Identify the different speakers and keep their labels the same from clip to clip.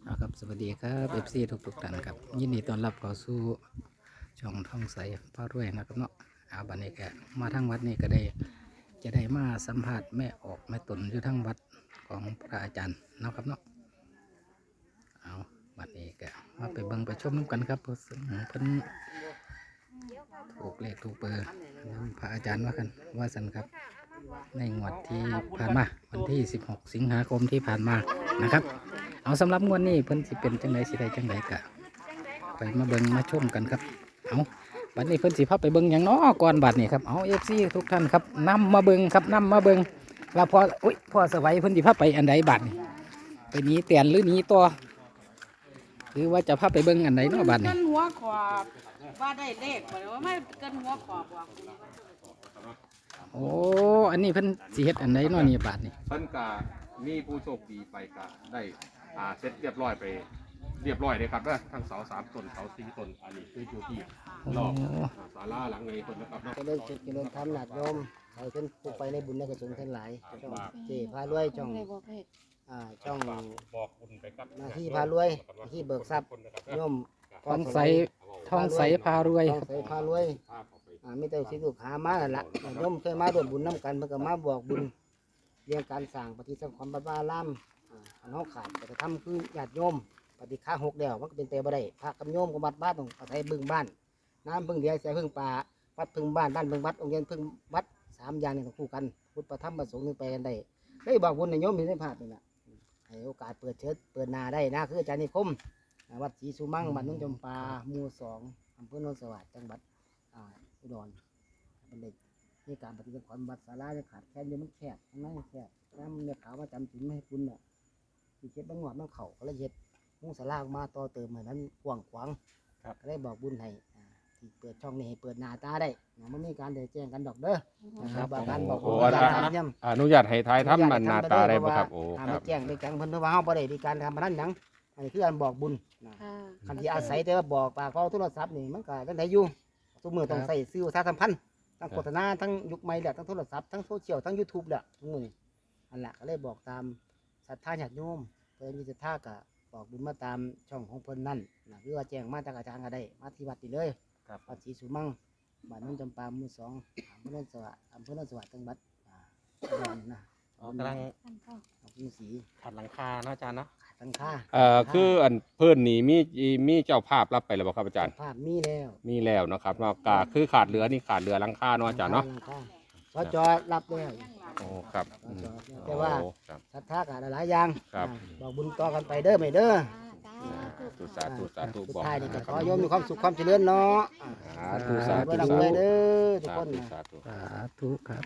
Speaker 1: ครับสวัสดีครับFC ทุกท่านครับยินดีต้อนรับเข้าสู่ช่องท่องใสพระรวยนะครับเนาะบัดนี้ก็มาทั้งวัดนี่ก็ได้จะได้มาสัมผัสแม่ออกแม่ตนอยู่ทั้งวัดของพระอาจารย์นะครับเนาะเอาบัดนี้ก็มาไปเบิ่งไปชมน้ำกันครับเพิ่นถูกเลขถูกเบอร์พระอาจารย์ว่ากันว่าสันครับในงวดที่ผ่านมาวันที่16สิงหาคมที่ผ่านมานะครับเอาสำหรับงวดนี้เพิ่นสิเป็นจังไดสิได้จังไดกะไปมาเบิ่งมาชมกันครับเอาบัดนี้เพิ่นสิพาไปเบิ่งหยังน้อก่อนบัดนี้ครับเอา FC ทุกท่านครับนำมาเบิ่งครับนำมาเบิ่งว่าพอสวัยเพิ่นสิพาไปอันใดบัดนี้ไปหนีเตียนหรือหนีตัวหรือว่าจะพาไปเบิ่งอันใดเนาะบัดนี้
Speaker 2: เกินหัวขอบว่าได้เลขบ่ได้ว่าไม่เกินหัวขอบบอก
Speaker 1: โอ้อันนี้เพิ่นสิเฮ็ดอันใดเนาะนี่บัดนี้
Speaker 3: เพิ่นก็มีผู้โชคดีไปก็ได้เสร็จเรียบร้อยไปเรียบร้อยเลยครับนะทั้งเสา3ต้นเสา4ต้นอันนี้คืออยู่ที่รอบศาลาหลังนี้เพิ่นนะครับเนาะ
Speaker 4: เจริญสุขเจริญธรรมหนักโยมให้ขึ้นผู้ไปในบุญในกุศลทั้งหลายช่องเจพารวยช่องช่อง
Speaker 3: บอกบุญไปกับ
Speaker 4: หน้าที่พารวยหน้าที่เบิกทรัพย์โยม
Speaker 1: ทองใสพารวย
Speaker 4: ท้องใสพารวยไม่ต้องสิลูกหามาแล้วล่ะโยมเคยมาร่วมบุญน้ำกันเพื่อมาบอกบุญเรื่องการสร้างปฏิสังขรณ์บัดวาลามอันเขาขาดจะทำคือญาติโยมปฏิฆา6เดียวมันก็เป็นเตบ่ได้พระกับโยมกับบัดบ้านต้องอาศัยบึงบ้านน้ำพึ่งเดียวเสียพึ่งป่าวัดพึ่งบ้านบ้านพึ่งวัดองค์เรียนพึ่งวัด3อย่างนี่ต้องคู่กันพุทธประธรรมประสงค์นึงไปกันได้ได้บอกบุญในโยมมีได้พลาดนี่แหละให้โอกาสเปิดเชิดเปิดนาได้นะคืออาจารย์นิคมวัดศรีสุมั่งบ้านนุ่งจำปาหมู่2อำเภอโนนสวัสดิ์จังหวัดอุดรเป็นเด็กนี่การปฏิบัติความบัดศาลาเนี่ยขาดแคลนเยอะมันแคบข้างในแคบน้ำเนี่ยขาวมาจำถึงไม่ให้คุณน่ะที่เช็ดบ้างหอดบ้างเข่าก็เลยเช็ดมุ่งศาลาออกมาต่อเติมให้นั้นกว้างขวางก็ได้บอกบุญให้ที่เปิดช่องนี้ให้เปิดหน้าตาได้มันมีการเดินแจ้งกันดอกเด้อนะครับการบอกบุญการทำย่ำ
Speaker 3: อนุญาตให้ทายทำมันหน้าตาได้บ่ครับโอ้ค
Speaker 4: มา
Speaker 3: รับ
Speaker 4: แจ้งไปแจ้งเพิ่นว่าเฮาบ่ได้มีการทำพนันหยังอันนี้คือการบอกบุญคันที่อาศัยแต่ว่าบอกปากเขาโทรศัพท์นี่มันก็จังไดอยู่ทุกมื้อต้องใส่สื่อประชาสัมพันธ์ทั้งโฆษณาทั้งยุคใหม่แหละทั้งโทรศัพท์ทั้งโซเชียลทั้ง YouTube แหละทุกมื้อนี่อันแหละก็เลยบอกตามศรัทธาญาติโยมเพิ่นมีศรัทธาก็บอกบุญมาตามช่องของเพิ่นนั่นนะหรือว่าแจ้งมาจากอาจารย์ก็ได้มาที่วัดนี่เลยวัดศรีสุมั่งบ้านนุ่นจำปาหมู่2อำเภอโนนสวัสดิ์จังหวัดอุดรนะ
Speaker 5: กำลัง
Speaker 4: มีสี
Speaker 5: ขัดหลังคาเนาะอาจารย์เนาะ
Speaker 4: ตั้งค่า
Speaker 3: คืออันเพิ่นนี่มีเจ้าภาพรับไปแล้วบ่ครับอาจารย์
Speaker 4: ภาพมีแล้ว
Speaker 3: มีแล้วเนาะครับเนาะก็คือขาดเหลือนี่ขาดเหลือหลังคาเนาะอาจารย์เนาะ
Speaker 4: สจรับแล้ว
Speaker 3: โอ้ครับ
Speaker 4: แต่ว่า
Speaker 3: โอ้ครับ
Speaker 4: ศรัทธาก็หลายอย่าง
Speaker 3: ครับ
Speaker 4: บอกบุญต่อกันไปเด้อไม่เด้อ
Speaker 3: สาธุ
Speaker 4: สุด
Speaker 3: บอก
Speaker 4: ท้ายนี่ก็ขอโยมมีความสุขความเจริญเนาะ
Speaker 3: สาธุสาธุ
Speaker 4: ด้วยลำด้วยเด้อทุกคน
Speaker 3: สาธุ
Speaker 1: สาธุครับ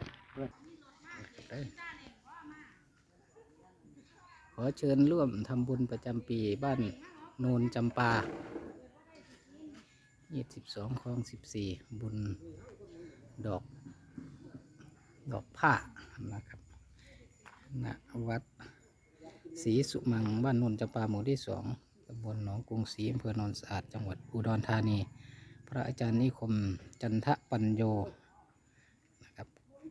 Speaker 1: ขอเชิญร่วมทำบุญประจำปีบ้านโนนจำปา22คลอง14บุญดอกผ้านะครับณวัดศรีสุมังบ้านโนนจำปาหมู่ที่2ตำบลหนองกรุงศรีอำเภอโนนสะอาดจังหวัดอุดรธานีพระอาจารย์นิคมจันทปัญโยนะครับ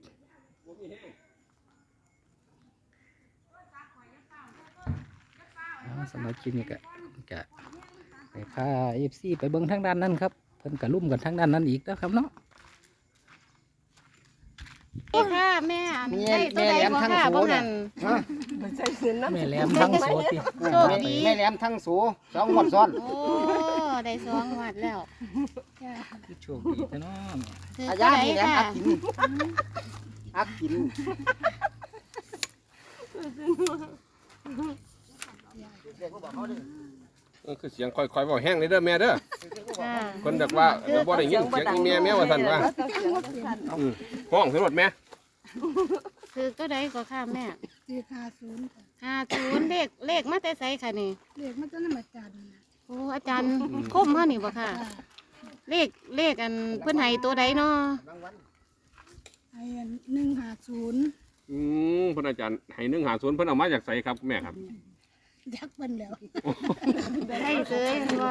Speaker 1: สำหรับคลิปนี้ก็ไปพาFCไปเบิ้งทางด้านนั้นครับเพิ่นกระลุ่มกันทางด้านนั้นอีกนะครับเนาะ
Speaker 2: ค่ะแม่ได้ตัวใดบ่ค่ะบ่หัน
Speaker 1: แม่แหลมทั้งโสติ
Speaker 2: โชคดี
Speaker 4: แม่แหลมทั้งสู2งวดซ้อน
Speaker 2: โอ้ได้2วัดแล้ว
Speaker 1: คือโชคดีแต่เนาะ
Speaker 2: ถือ
Speaker 4: อา
Speaker 2: ตัว
Speaker 4: ญา
Speaker 2: ใด
Speaker 4: แม่แหลม
Speaker 2: ค่ะ
Speaker 4: อักกิน
Speaker 3: คือเสียงค่อยๆบอกแห้งเลยเด้อแม่เด้อ
Speaker 2: ค่ะ
Speaker 3: คนดักว่าบ่ได้ยินเสียงอีแม่ว่าซั่นว่าห้องสำรวจแม่
Speaker 2: ถือตัวใดก็ค่ะแม่
Speaker 6: 450
Speaker 2: 50เลขมาแต่ไสค่ะนี่
Speaker 6: เรียกมันจะนำอาจารย์นะ
Speaker 2: โอ้อาจารย์คมเฮานี่บ่ค่ะ เลขอันเพิ่นให้ตัวใดเนาะ
Speaker 6: ไอ้อัน150
Speaker 3: เพิ่นอาจารย์ให้150เพิ่นเอามาจากไสครับแม่ครับ
Speaker 6: ยักเพิ่นแล้ว
Speaker 2: ได้เสยบ่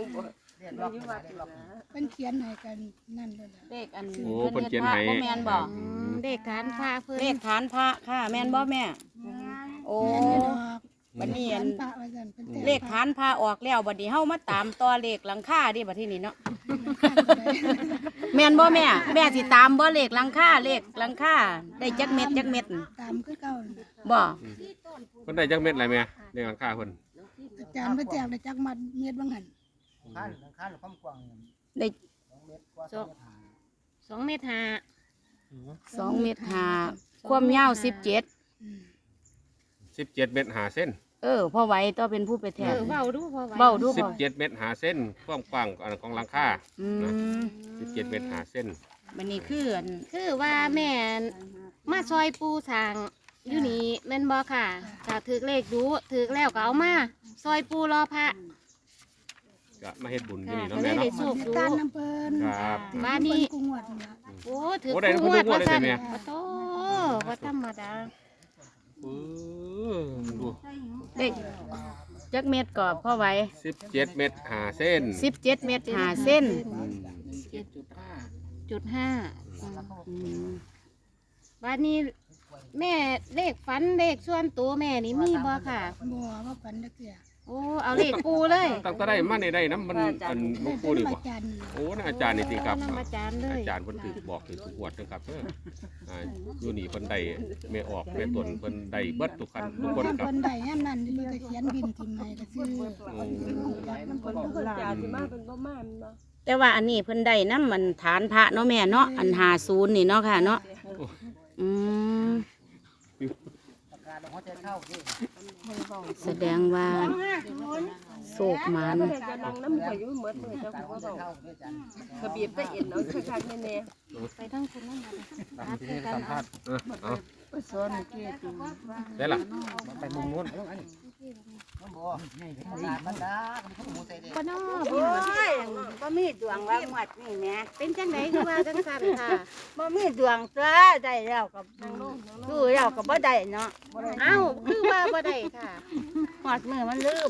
Speaker 6: เพิ่นเขียนให้กันนั่นเลยล่ะ
Speaker 7: เลขอัน
Speaker 3: โอ้เพิ่นเขียนให้
Speaker 7: บ่แม่นบ่
Speaker 2: เลขฐานพระเพิ่น
Speaker 7: เลขฐานพระค่ะ แม่นบ่แม่ โอ้
Speaker 6: แม่นอยู่ดอก
Speaker 3: โ
Speaker 7: บัดนี้อัน
Speaker 6: พระว่าซั่นเพิ่นแต่ง
Speaker 7: เลขฐานพาออกแล้วบัดนี้เฮามาตามต่อเลขหลังคาดิบัดที่นี่เนาะแม่นบ่แม่แม่สิตามบ่เลขหลังคาเลขหลังคาได้จักเม็ดจักเม็ด
Speaker 6: ตามคือเก่าน่ะ
Speaker 7: บ่
Speaker 3: เพิ่นได้จักเม็ดอะไรแม่ในหลังคาเพิ่น
Speaker 6: อาจารย์เพิ่นแจกได้จักมัดเม็ดบางหัน
Speaker 4: ข้านความกว้าง
Speaker 7: ได้
Speaker 4: 2 เมตรกว่า
Speaker 2: 2 เมตรห้า
Speaker 7: 2 เม็ด5ความยาว17
Speaker 6: อืม
Speaker 3: 17 เมตร5เส้น
Speaker 7: พอไหวต่อเป็นผู้ไปแทน
Speaker 2: เว้าดูพอไหว
Speaker 7: เว้าดูพอ
Speaker 3: 17 เมตร5เส้นความกว้างของหลังคา
Speaker 7: อืม
Speaker 3: 17 เมตร5เส้น
Speaker 7: บัดนี้คืออัน
Speaker 2: คือว่าแม่มาซอยปูสร้างอยู่นี่แม่นบ่ค่ะถ้าถือเลขดูถือแล้วก็เอามาซอยปูรอพระ
Speaker 3: ก็มาเฮ็ดบุญที่
Speaker 2: ค่ะ
Speaker 3: นี่
Speaker 2: ก็
Speaker 3: เนาะ
Speaker 2: เล
Speaker 3: แม่
Speaker 2: ยได้
Speaker 3: เนาะ
Speaker 2: โชคดู
Speaker 6: ตามน้ำเพิ่น
Speaker 3: ครับ
Speaker 2: บ้านนี้
Speaker 6: เพิ่กุงวดนี่ล่ะ
Speaker 2: โอ้ถือ
Speaker 3: โอ้ได้
Speaker 2: คู่งวด
Speaker 3: ทุกงวด
Speaker 2: ว่าซั่น
Speaker 3: เลยสิแม่
Speaker 2: โอ้โตบ่ธรรมดา
Speaker 3: ดู
Speaker 7: ได้จักเม็ดก็พอไหว
Speaker 3: 17 เมตร5เส้น
Speaker 7: 17 เม็ด5เส้น
Speaker 2: จุดห้าบ้านนี้แม่เลขฝันเลขส่วนตัวแม่นี่มีบ่ค่ะ
Speaker 6: บ่ว่าฝันจักเทื่อ
Speaker 2: โอ้เอาเลขปูเลย
Speaker 3: ตั้งแต่ได้มาได้น้ำมันอันหลวงปู่นี่
Speaker 6: อา
Speaker 3: บ่
Speaker 6: จารย์
Speaker 3: โอ้น่าอาจารย์นี่ติครับ
Speaker 2: นำอาจารย์เลย
Speaker 3: อาจารย์เพิ่นถือบอกถือทุกงวดนะครับเด้ออยู่นี่เพิ่นได้แม่ออกแม่ตนเพิ่นได้เบิดทุกคันทุกคนครับ
Speaker 6: เพิ่นได้ยามนั้นเพิ่นก็เขียนบินทิมให้ก็ซื้อ
Speaker 7: แต่ว่าอันนี้เพิ่นได้น้ำมันฐานพระเนาะแม่เนาะอัน50นี่เนาะค่ะเนาะอืมแสดงว่าโศกหมัน
Speaker 2: ไปทั้งคุณนั่นน่ะ
Speaker 3: สัมภาษณ์ได้ล่ะ
Speaker 4: ไปมุมนู้นอันนี้บ่นี่บรรดาก็มีหมูใส่เด้
Speaker 2: บ่น้อ
Speaker 7: โอ้ยบ่มีดวงว่าหมดนี่แหม่
Speaker 2: เป็นจังไดคือว่าจังซั่นค่ะ
Speaker 7: บ่มีดวงตัวได้แล้วก็ดูแล้วก็บ่ได้เนาะ
Speaker 2: เอ้าคือว่าบ่ได้ค่ะ
Speaker 7: หอดมือมันลืม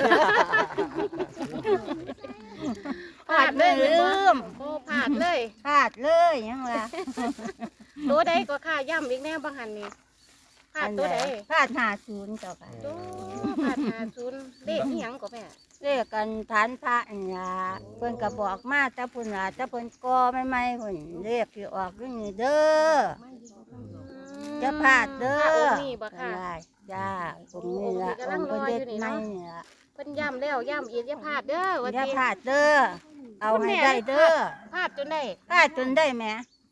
Speaker 7: หอดมือลืม
Speaker 2: โอ้พลาดเลย
Speaker 7: พลาดเลยยังว่า
Speaker 2: ตัวใดก็ค่าย่ำอีกแน่บางหันนี่พลาดตัวใด
Speaker 7: พลาด50เจ้าค่ะ
Speaker 2: ตัวพลาด50เลขอีหยังก็แม่
Speaker 7: เรียกกันฐานพระอันยาเพิ่นก็บอกมาแต่เพิ่นว่าแต่เพิ่นก่อใหม่ๆเพิ่นเรียกที่ออกอยู่นี่เด้อจะพลาดเด้
Speaker 2: พระ
Speaker 7: อ
Speaker 2: องค์นี้บ่ค่ะ
Speaker 7: ได้จ้าองค์นี้ละองค์เพิ่นเด็ดไม่นี่ละ
Speaker 2: เพิ่นย่ำแล้วย่ำอีกอย่าพลาดเด้อว่า
Speaker 7: อย่า
Speaker 2: ติ
Speaker 7: พลาดเด้อเอาให้ได้เด้อ
Speaker 2: พลาดจนได้
Speaker 7: พลาดจนได้แหม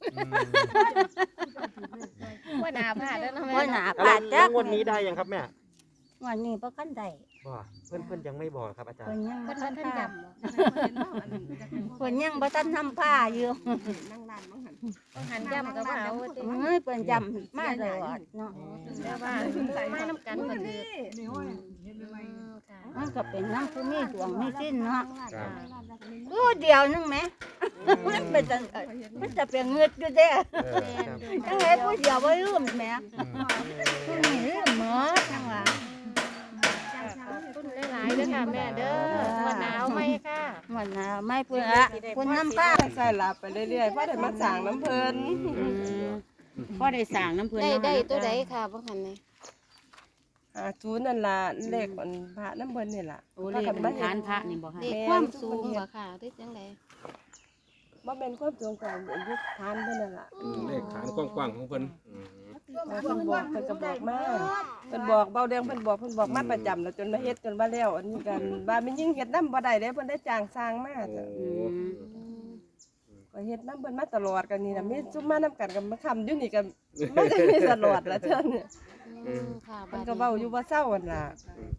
Speaker 2: ว่าหนาพลาดแล้วนะแม่
Speaker 7: ว่าหนาพ
Speaker 5: แล้
Speaker 7: ลาว ดจัก
Speaker 5: งวดนี้ได้ยังครับแม่
Speaker 7: วันนี้บ่คันได้
Speaker 5: บ่เพื่อนยังไม่บอกครับอาจาร
Speaker 7: เพิ่
Speaker 5: ย์
Speaker 7: นยัง
Speaker 2: เพิ่
Speaker 7: บ่
Speaker 2: น
Speaker 7: ทั
Speaker 2: ว่าน ท่าน
Speaker 7: พา
Speaker 2: ย่
Speaker 7: เพิ่นยังบ่ทันทำผ้าอยู่
Speaker 2: ำต้องหันย่ำกับว่าเอาติ
Speaker 7: เอ้ยเพิ่นจำมาตลอดเนาะ
Speaker 2: แต่ว่ามาน้ำกันก็ถือค่ะ
Speaker 7: มันก็เป็นน้ำผู้มีดวงมีสิ้นเนาะ
Speaker 3: ครับ
Speaker 7: รู้เดียวนึงไหม มันเป็นจังมันจะเป็นเงืดอยู่เด้อ จังไงผู้เดียวบ่ลืมแหม่ผู้นี้ลืมหมดจังว่า
Speaker 2: ขอบคุณหลายๆเด้อค่ะแม่เด้อว่าหนาวไหมค่ะ
Speaker 7: มันน่ะไม่เพิ่นละเพิ่นน้ำป้า
Speaker 8: ใส่ลาไปเรื่อยๆเพราะได้มาสั่งน้ำเพลิน
Speaker 7: พอได้สร้างน้ำเพิ่น
Speaker 2: ได้
Speaker 7: เนาะ
Speaker 2: ได้ตัวใดค่ะบ่หันนี่
Speaker 8: ทูนนั่นล่ะเลขมันพระน้ำเพลินนี่ล่ะ
Speaker 7: โอ้เลขมันฐานพระนี่บ่ค่ะ
Speaker 2: เด็กความสูงบ่ค่ะหรือจังได
Speaker 8: บ่เป็นความสูงกันยุคทานเพิ่นนั่นล่ะ
Speaker 3: เลขฐานกว้างๆของเพิ่น
Speaker 8: เพิ่นบอกเพิ่นก็บอกมาเพิ่นบอกเบาแดงเพิ่นบอกมาประจำแล้วจนมาเฮ็ดจนว่าแล้วอันนี้กันว่ามันยิ่งเฮ็ดน้ำบ่ได้เด้เพิ่นได้จ้างสร้างมาจ้ะ
Speaker 7: อืม
Speaker 8: ก็เฮ็ดน้ำเพิ่นมาตลอดกันนี่น่ะมีซุมมานํกันกับมาค้ำอยู่นี่ก็ไม่ได้มีตลอดละเท่านี้
Speaker 2: ค่ะ
Speaker 8: เพิ่นก็เว้าอยู่ว่าเศร้าหั่นล่ะ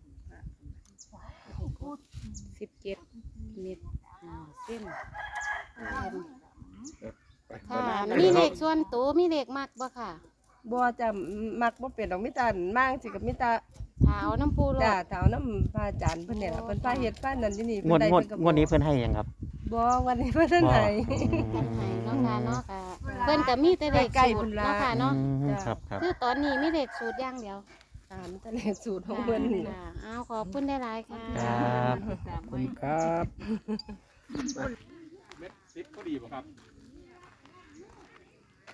Speaker 7: 17 เมตรเส้น
Speaker 2: ค่ะมีเลขส่วนตัวมีเลขมักบ่ค่ะ
Speaker 8: บ่จะมักบ่เป็นดอกมีแต่มางสิกับมีแต่
Speaker 2: ถาวน้ำปูร
Speaker 8: จ้า
Speaker 2: ด
Speaker 8: เท้าน้ำพระอาจารย์เพิ่นเนี่ยล่ะเพิ่นพาเฮ็ดพานั่นที่นี่
Speaker 5: งวด
Speaker 8: ได้
Speaker 5: งวด
Speaker 8: เพิ่ก็
Speaker 5: งวดนี้เพื่อนให้ยังครับ
Speaker 8: บ่วันนี้เพิ่นท่านไหน
Speaker 2: กันให้เนาะค่ะเนาะค่ะเพิ่นก็มีแต่เลข
Speaker 8: ใกล้
Speaker 2: สู
Speaker 8: ๆพุ่
Speaker 2: ตร
Speaker 8: นล่ะ
Speaker 2: เนาะค่ะเนาะ
Speaker 5: ครับครับ
Speaker 2: คือตอนนี้มีเลขสูตรอย่างเดียว
Speaker 8: ตามทะเลสูตรของเพิ่นนี่
Speaker 2: ค่ะเอาขอบคุณได้หลายๆค่ะ
Speaker 5: ครับ
Speaker 1: ขอบคุณครับ
Speaker 3: เม็ด10ก็ดีบ่ครับ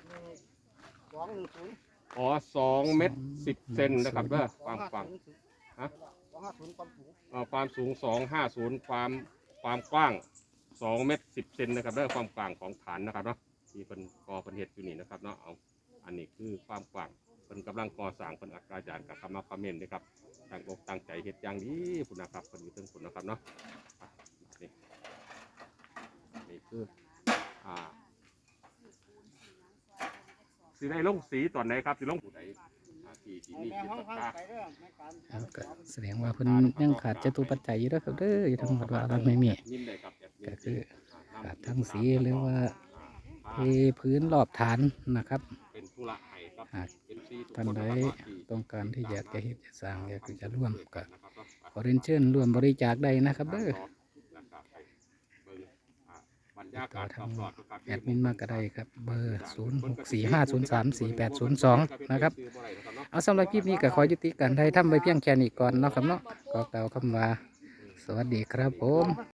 Speaker 4: 210
Speaker 3: อ๋อ2 เมตร 10 เซนนะครับเด้อความฮะ
Speaker 4: 250ความสูง
Speaker 3: ความสูง250ความกว้าง2เมตร10เซนนะครับเด้อความกว้างของฐานนะครับเนาะที่เป็นก่อเป็นเฮ็ดอยู่นี่นะครับเนาะเอาอันนี้คือความกว้างเป็นกำลังก่อสร้างเป็นอาจารย์กับคำมาคอมเมนต์นะครับตั้งอกตั้งใจเฮ็ดอย่างดีคุณนะครับเป็นอยู่ถึงคุณนะครับเนาะนี่คือสีได้ลงสีตอนไหนครับสีลงผู้ใดที่มีจิตศรัทธา
Speaker 1: แล้วก็แสดงว่าเพิ่นยังขาดจตุปัจจัยอยู่เด้อครับเด้ออยู่ทั้งหมดว่าเราไม่มี
Speaker 3: ยิ้มได้ครับแบบ
Speaker 1: ก็คือขาดทั้งสีหรือว่าเทพื้นรอบฐานนะครับ
Speaker 3: เป็นธุระให้ครับ
Speaker 1: หาก
Speaker 3: เป็นซีทุก
Speaker 1: ท่าน
Speaker 3: คน
Speaker 1: ใด
Speaker 3: นะครับที่
Speaker 1: ต้องการที่อยากจะเฮ็ดจะสร้างอยากจะร่วมก็
Speaker 3: นะครับเนาะ
Speaker 1: ขอเรียนเชิญร่วมบริจาคได้นะครับเด้อ
Speaker 3: นะครับไปเบิ่งบรรยากาศรอบๆครับ
Speaker 1: แอดมินมาก็ได้ครับเบอร์ 0645034802 นะครับเอาสำหรับคลิปนี้ก็ขอยุติการไทยทำไปเพียงแค่นี้ก่อนเนาะครับเนาะก็กล่าวคำว่าสวัสดีครับผม